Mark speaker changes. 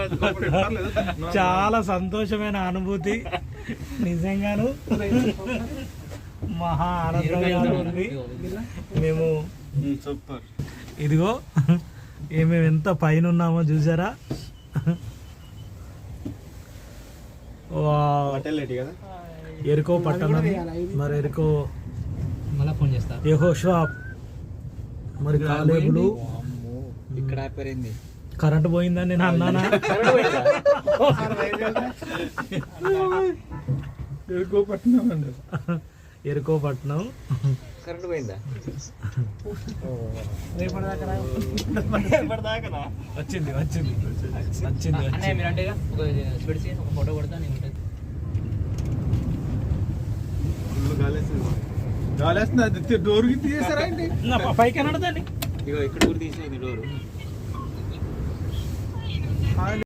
Speaker 1: చాలా సంతోషమైన అనుభూతి, నిజంగాను మహా ఆనందంగా ఉంది. మేము
Speaker 2: సూపర్.
Speaker 1: ఇదిగో మేము ఎంత పైన ఉన్నామో చూసారా. ఎరుకో పట్టణం, మరి ఎరుకో
Speaker 3: మళ్ళీ ఫోన్ చేస్తా.
Speaker 1: యెహోషువ మరి కాలేబులు.
Speaker 3: ఇక్కడ ఆపరింది,
Speaker 1: కరెంట్ పోయిందని నేను అన్నానా?
Speaker 2: ఎరుకోపట్నం అండి,
Speaker 1: ఎరుకోపట్నం.
Speaker 3: కరెంట్ పోయిందా?
Speaker 1: వచ్చింది వచ్చింది వచ్చింది.
Speaker 3: మీరు అంటే ఒక ఫోటో కొడతా నేను ఉంటుంది.
Speaker 2: గాలి వేస్తుంది. అది డోర్కి తీసేసారా అండి?
Speaker 1: పైకి అనడదండి.
Speaker 3: ఇగో ఇక్కడ కూడా తీసేది డోరు.